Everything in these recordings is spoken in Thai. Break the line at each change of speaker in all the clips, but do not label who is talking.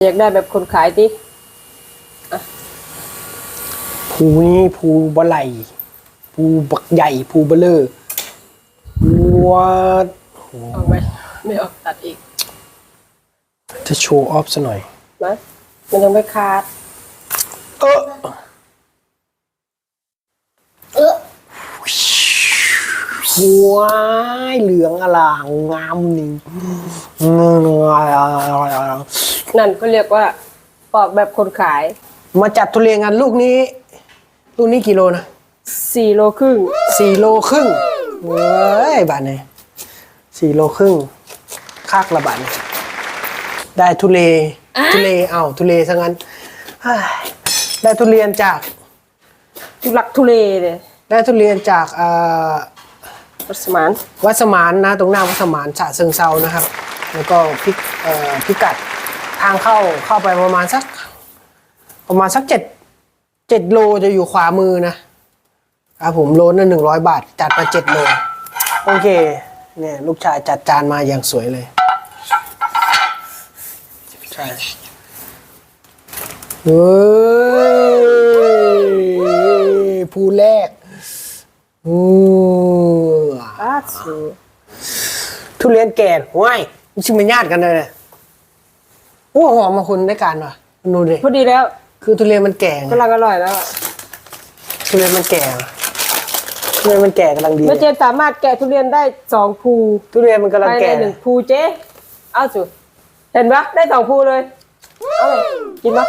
อยากได้แบบคนขายดิ
ภูนี้ภูบะไหลภูบักใหญ่ภูเบลเลอร์วัด
ออกไหมไม่ออกตัดอีก
จะโชว์ออฟซะหน่อย
นะมันยังไม่ขาด
หัวเหลืองอลางงามนี่
นั่นก็เรียกว่าปอกแบบคนขาย
มาจัดทุเรียนกันลูกนี้กี่โลนะ
4 โลครึ่ง
4 โลครึ่งเว้ยบาทนี่4 โลครึ่งคักละบาทนี่ได้ทุเรทุเรซะงั้นได้ทุเรียนจาก
ทุลักทุเลเลย
ได้ทุเรียนจาก
วัดสมาน
นะตรงหน้าวัดสมานฉะเชิงเซานะครับแล้วก็พิกัดทางเข้าไปประมาณสัก7 โลจะอยู่ขวามือนะครับผมโลนึง100 บาทจัดมา7 โลโอเคเนี่ยลูกชายจัดจานมาอย่างสวยเลยใช่เฮ้ยภูแรกทุเรียนแก่ว้ายมันชิมเป็นญาติกันเลยโอ้หอมมาคุณได้การว่ะดูดิ
พอดีแล้ว
คือทุเรียนมันแก่
กำลังอร่อยแล้ว
ทุเรียนมันแก่กำลังดี
แม่เจนสามารถแกะทุเรียนได้2 ภู
ทุเรียนมันกำลังแก่
1 ภูเจ๊เอาสุดเห็นปะได้2 ภูเลยเอาเลยกินปะ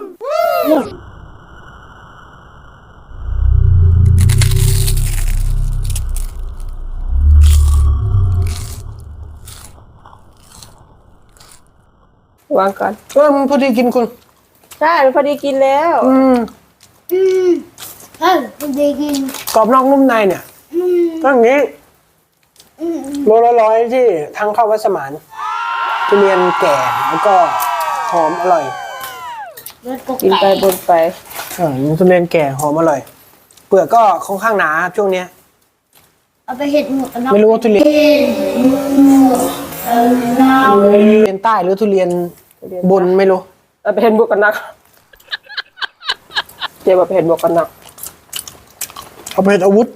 วางก่อน
มันพอดีกินคุณ
ใช่มันพอดีกินแล้ว
พอดีกิน
กรอบนอกนุ่มในเนี่ยก็อย่างนี้โลละ100ที่ทางเข้าวัดสมานทุเรียนแก่แล้วก็หอมอร่อย
กินไปบนไป
ทุเรียนแก่หอมอร่อยเปลือกก็ค่อนข้างหนาช่วงเนี้ย
เอาไปเห็ดหมด
ไม่รู้ว่าทุเรียนใต้หรือทุเรียนบนไม่รู้
เอาไปเห็นบวกกันนักเจ๊บอกไปเห็นบวกกันนัก
เอาไปเห็นอาวุธ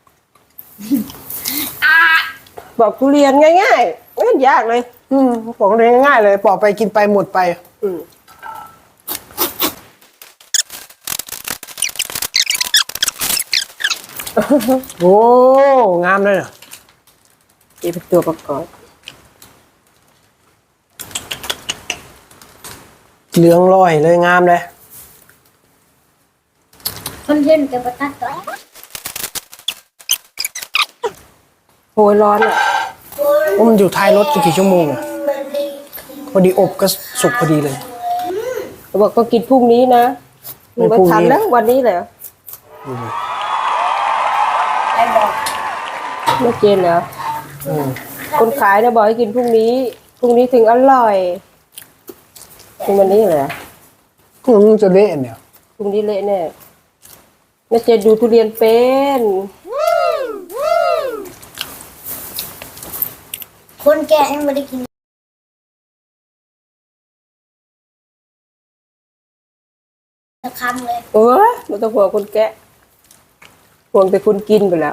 บอกทุเรียนง่ายๆไม่ยากเลย
บอกทุเรียนง่ายๆเลยปอกไปกินไปหมดไปโอ้งามเลย
นี่เป็นตัวประกอบ
เหลืองลอยเลยงามเลย
คนเห็นจะประทัดตัว
โหยร้อนอ่ะ
มันอยู่ท้ายรถกี่ชั่วโมงอะพอดีอบก็สุกพอดีเลย
เขาบอกก็กินพรุ่งนี้นะไม่ทันแล้ววันนี้เลยไม่เจนเหรอคนขายนะบอกให้กินพรุ่งนี้ถึงอร่อยถึงวันนี้เหรอ
พรุ่งนี้จะเละเนี่ย
พรุ่งนี้เละแน่แม่เจนดูทุเรียนเป็น
คนแก่ยังไม่ได้กินสักคำเลย
ไม่ต้องห่วงคนแกะห่วงแต่คุณกินไปแล้ว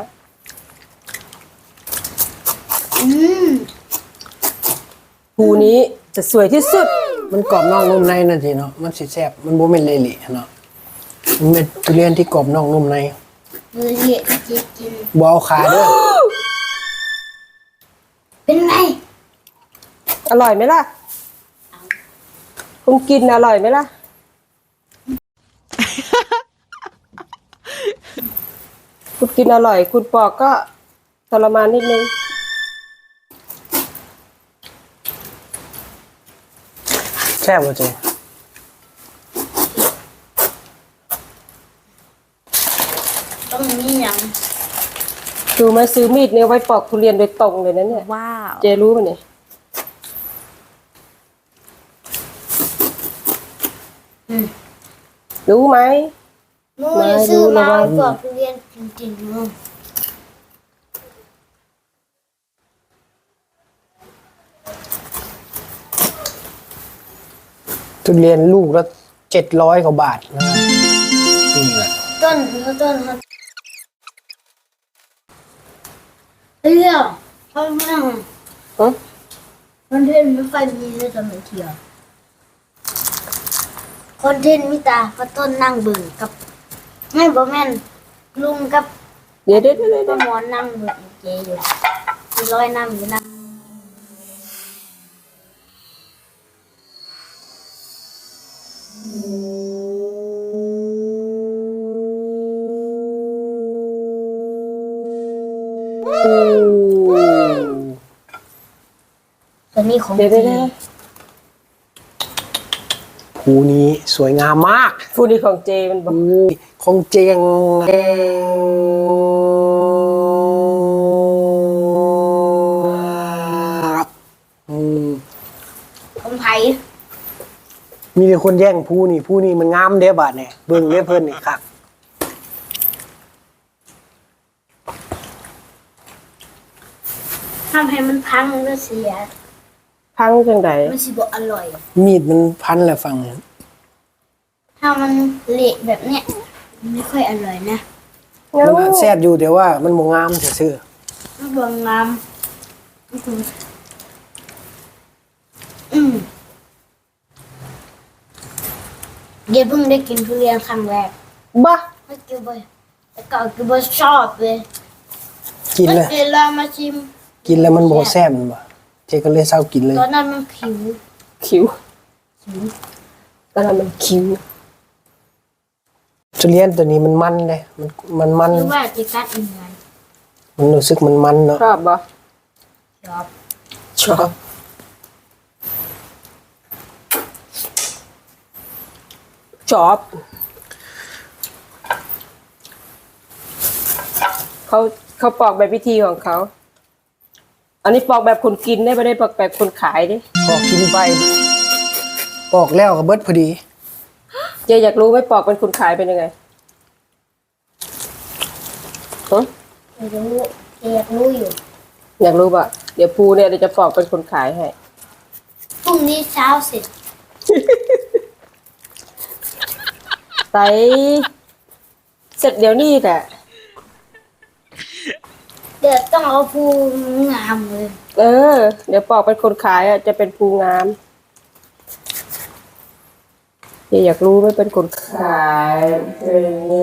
ภูนี้จะสวยที่สุด
มันกรอบนอกนุ่มในนั่นทีเนาะมันสิแซ่บมันโบเป็นเละๆเนาะมันเป็นทุเรียนที่กรอบนอกนุ่มใน
เละกิน
บเอาขาด้วย
เป็นไง
อร่อยไหมล่ะคุณกินอร่อยไหมล่ะคุณกินอร่อยคุณปอกก็ทรมานนิดนึง
แซ่บจริง
ต้องมีอย่าง
ดูมาซื้อมีดเนี่ยไว้ปอกทุเรียนโดยตรงเลยนะเนี่ยว้าวเจรู้ป่ะเนี่ยรู้ไหม
ไม่ซื้อมาปอกทุเรียนจริงๆ
ทุเรียนลูกละ700 กว่าบาทนะนี่แหละ
ต้นครับเรื่องเขาไม่ท
ฮะ
ำคอนเทนต์ไม่ค่อยมีเลยสมัยเที่ยวคอนเทนต์มิตาก็ต้นนั่งเบิ่งกับไม่บ่แม่นลุงกับ
เดี๋ยว
ป้าหมอนนั่งเบิ่งเจอยู่มีร้อยนั่งอยู่นั่ง ตัวนี้ของ
เดี๋ยว
จริง
ภูนี้สวยงามมาก
ฟูนี่ของเจมันบอก
ภูของเจงอืม
ของไผ่
มีแต่คนแย่งภูนี่มันงามเด้บาดเนี่ยเบิ่งเด้เพิ่นนี่ครับ
ทำให้มันพังมันก็เสีย
พังจังได
มันสิบ่อร่อย
มีดมันพันแหละฟังเนี่ย
ถ้ามันเละแบบเนี้ยมันไม่ค่อยอร่อยนะ
มันแซ่บอยู่แต่ว่ามันบ่งามซื่อ
มันบางงามเดี๋ยวเพิ่งได้กินทุเรียนครั้งแรก
บ้า
ไม่กินบ่อยแต่เก่ากินบ่ชอบเลย
ๆกิน
แล้ว
แล้ว
เดี๋ยวเรามาชิม
กินแล้วมันบ่แซ่บมันบ่เจก็เลยเศร้ากินเลย
ตอนนั้นมันผิว
คิ้วตอนนั้นมันคิ้ว
ทุเรียนตัวนี้มันมันเลยมัน
หรือว่าจะกัดยังไง
มันรู้สึกมันเนาะ
ชอบบ่
ชอบ
ชอบชอบเขาปอกแบบวิธีของเขา อันนี้ปอกแบบคนกินได้ไม่ได้ปอกแบบคนขายดิ
ปอกกินไปปอกแล้วก็เบิดพอดี
เจอยากรู้ไหมปอกเป็นคนขายเป็นยังไงฮะ
ไม่รู้อยากรู้อยู่
อยากรู้ป่ะเดี๋ยวภูเนี่ยเดี๋ยวจะปอกเป็นคนขายให้
พรุ่งนี้เช้าเสร็จ
ไตเสร็จเดี๋ยวนี้แหละ
เดี๋ยวต้องเอาภูงามเลย
เออ เดี๋ยวปอกเป็นคนขายอ่ะจะเป็นภูงามเดี๋ยวอยากรู้ไหมเป็นคนขายเป็นยังไง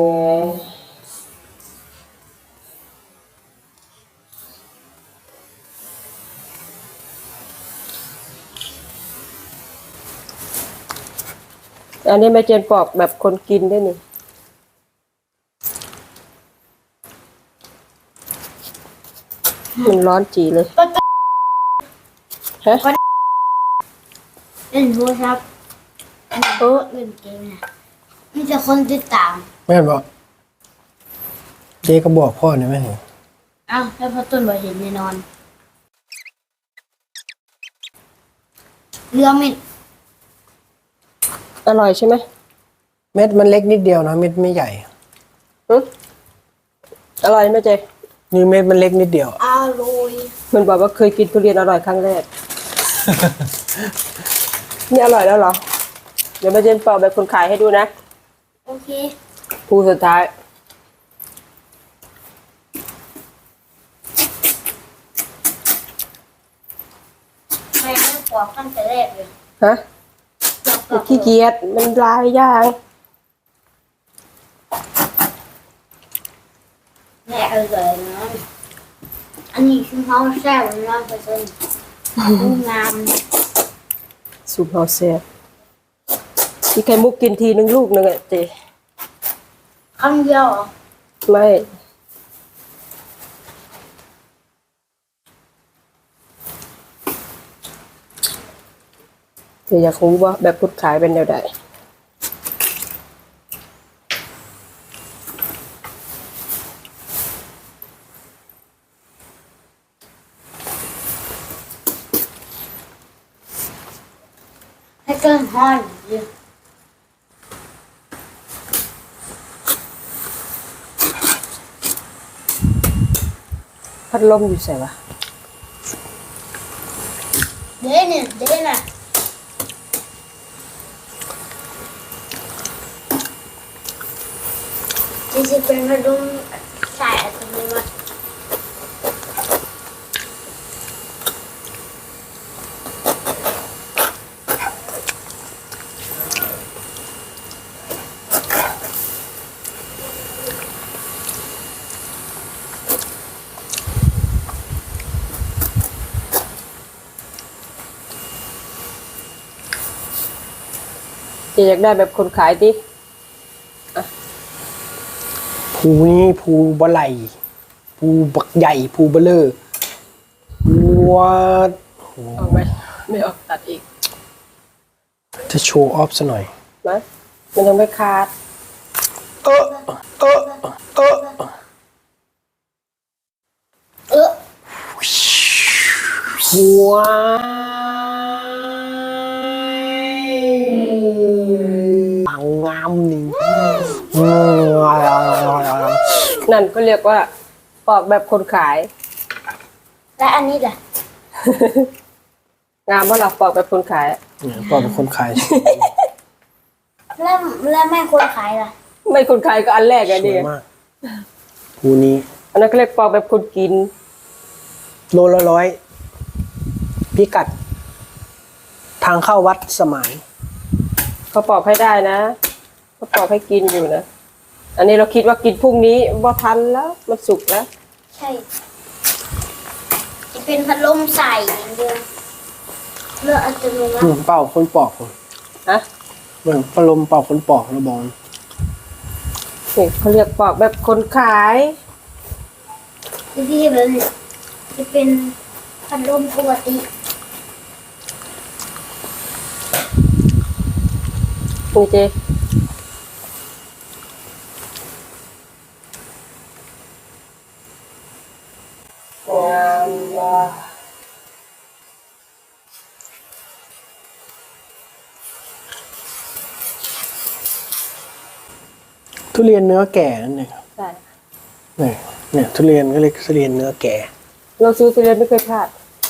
อันนี้แม่เจนปอกแบบคนกินได้นี่มันร้อนจีเลยฮะ
เล่นโทรศัพท์เล่นเกมนะมีแต่คนติดตาม
แม่นบอกเจก็บอกพ่อเนี่ยแม่น
อ้าวแล้วพอต้นบ่เห็นแน่นอนเรือมิด
อร่อยใช่ไหม
เม็ดมันเล็กนิดเดียวนะเม็ดไม่ใหญ่
อร่อยไหมเจ
นี่เม็ดมันเล็กนิดเดียว
อร่อย
มันบอกว่าเคยกินทุเรียนอร่อยครั้งแรก นี่อร่อยแล้วเหรอ เดี๋ยวแม่เจนปอกแบบคนขายให้ดูนะ
โอเค
ภูสุดท้าย
แม่ไม่ปอกตั้งแต่แรกเลย
ฮะ
ปอก
ขี้เกียจมันลายยาง
แม่อร่อยนะอันนี้คือเขาแซ่บ100%งาม
สูปเฮาเซ่บมีไข่มุกกินทีนึงลูกนึงอะเจ
คำเดียวเหรอ
ไม่ เดี๋ยวอยากรู้ว่าแบบพุดขายเป็นแนวใด
ให้เกินห้อยเดียว
พัดลมอยู่ใส่วะ
เดี๋ยวเนี่ยจะเป็นพัดลมสายอัตโนมัติ
อยากได้แบบคนขายดิ
ภูนี่ภูบะไหลภูบักใหญ่ภูเบลเลอร์วัด
ออกไหมไม่ออกตัดอีก
จะโชว์ออฟซะหน่อย
นะมันยังไม่ขาด
เออเออเออ
เออ
ว้ายงามนี่
นั่นก็เรียกว่าปอกแบบคนขาย
และอันนี้ล่ะ
งามว่าเราปอกแบบคนขาย
เนี่ยปอเป็นคนขาย
แล้วแม่คนขายล่ะ
ไม่คนขายก็อันแรกไง
ส
ดิ
วยมากภูนี้
อันนั้นก็เรียกปอกแบบคนกิน
โลละ100พิกัด ทางเข้าวัดสมาน
เขาปอกให้ได้นะเขาปอกให้กินอยู่นะอันนี้เราคิดว่ากินพรุ่งนี้ว่าทันแล้วมันสุกแล้ว
ใช่จะเป็นพัดลมใส่อย่างเดียวเลือกอัตโนมัติ
เป่าคนปอก
ฮะ
เบิ่งพัดลมเป่าคนปอกระบอง
นี่เขาเรียกปอกแบบคนขาย
ที่แบบนี้จะเป็นพัดลมปกติ
นี่เจงามว่ะ
ทุเรียนเนื้อแก่นั่นเองครับ
ใช่
เนี่ยทุเรียนก็เรียกทุเรียนเนื้อแก่
เราซื้อทุเรียนไม่เคยพลาด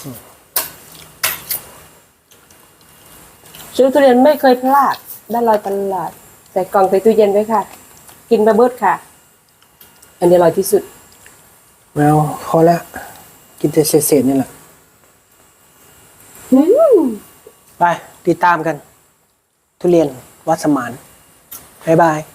ซื้อทุเรียนไม่เคยพลาดได้ลอยตลาดใส่กล่องใส่ตู้เย็นไว้ค่ะ กินบะเบิดค่ะ อันนี้อร่อยที่สุด
แมวพอแล้วกินแต่เศษๆนี่แหละไปติดตามกัน ทุเรียนวัดสมานบ๊ายบาย